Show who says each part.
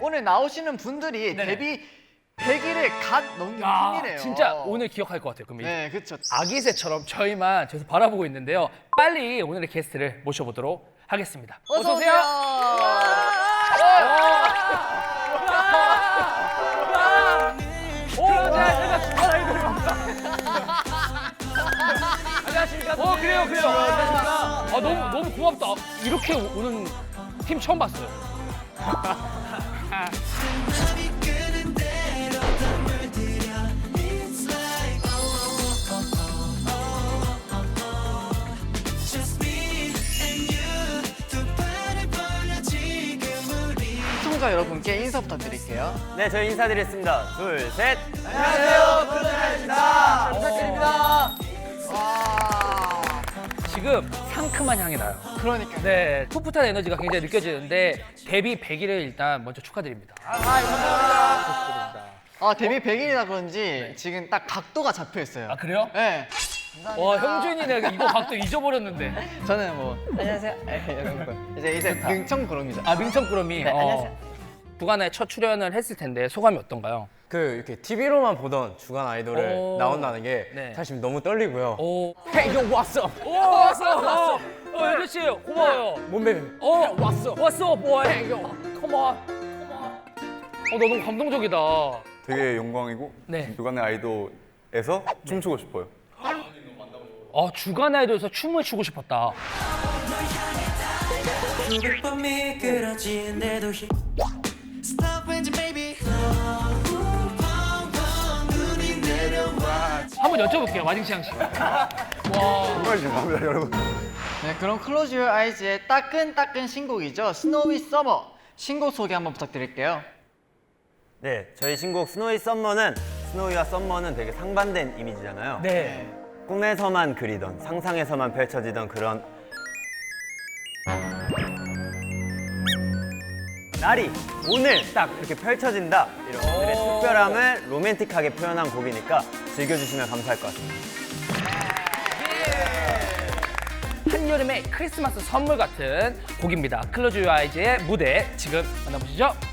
Speaker 1: 오늘 나오시는 분들이
Speaker 2: 네네.
Speaker 1: 데뷔 100일을 갓 넘긴
Speaker 2: 아,
Speaker 1: 팬이래요.
Speaker 2: 진짜 오늘 기억할 것 같아요. 그럼
Speaker 1: 네, 그렇죠.
Speaker 2: 아기새처럼 저희만 계속 바라보고 있는데요. 빨리 오늘의 게스트를 모셔보도록 하겠습니다.
Speaker 1: 어서 오세요.
Speaker 2: 안녕하십니까. 그래요. 안녕하십니까. 너무 고맙다. 이렇게 오는 팀 처음 봤어요.
Speaker 1: 시청자 여러분께 인사 부탁드릴게요.
Speaker 3: 네, 저희 인사드리겠습니다. 둘, 셋.
Speaker 1: 안녕하세요, 푸드라입니다. 부탁드립니다. 와,
Speaker 2: 지금 상큼한 향이 나요.
Speaker 1: 그러니까.
Speaker 2: 네, 풋풋한 에너지가 굉장히 느껴지는데 데뷔 100일을 일단 먼저 축하드립니다.
Speaker 1: 아, 데뷔 100일이라 그런지 지금 딱 각도가 잡혀 있어요.
Speaker 2: 아, 그래요?
Speaker 1: 네.
Speaker 2: 와, 형준이네. 이거 각도 잊어버렸는데.
Speaker 1: 저는 뭐 안녕하세요. 이제 능청구름이죠.
Speaker 2: 아, 민청꾸러미.
Speaker 1: 안녕하세요.
Speaker 2: 주간에 첫 출연을 했을 텐데 소감이 어떤가요?
Speaker 3: 이렇게 TV로만 보던 주간 아이돌을
Speaker 2: 오.
Speaker 3: 나온다는 게
Speaker 2: 네.
Speaker 3: 사실 너무 떨리고요.
Speaker 2: 오,
Speaker 3: Hey, yo, what's up?
Speaker 2: 오, 왔어. 연준 씨, 고마워요.
Speaker 3: 몸매.
Speaker 2: 왔어. 왔어, boy. Come on. 너 너무 감동적이다.
Speaker 4: 되게 영광이고
Speaker 2: 네.
Speaker 4: 주간의 아이돌에서 춤추고 싶어요.
Speaker 2: 주간 아이돌에서 춤을 추고 싶었다.
Speaker 5: 수백 번 미끄러지는데도 Stop when you baby 눈이 내려와
Speaker 2: 한번 여쭤볼게요, 마징시앙 씨. 와,
Speaker 4: 정말 죄송합니다, 여러분.
Speaker 1: 네, 그럼 Close Your Eyes의 따끈따끈 신곡이죠. Snowy Summer. 신곡 소개 한번 부탁드릴게요.
Speaker 3: 네, 저희 신곡 스노이 썸머는 스노이와 썸머는 되게 상반된 이미지잖아요.
Speaker 2: 네.
Speaker 3: 꿈에서만 그리던 상상에서만 펼쳐지던 그런 날이 오늘 딱 이렇게 펼쳐진다. 이런 오늘의 특별함을 로맨틱하게 표현한 곡이니까 즐겨주시면 감사할 것 같습니다.
Speaker 2: 한여름의 크리스마스 선물 같은 곡입니다. 클로즈 유어 아이즈의 무대 지금 만나보시죠.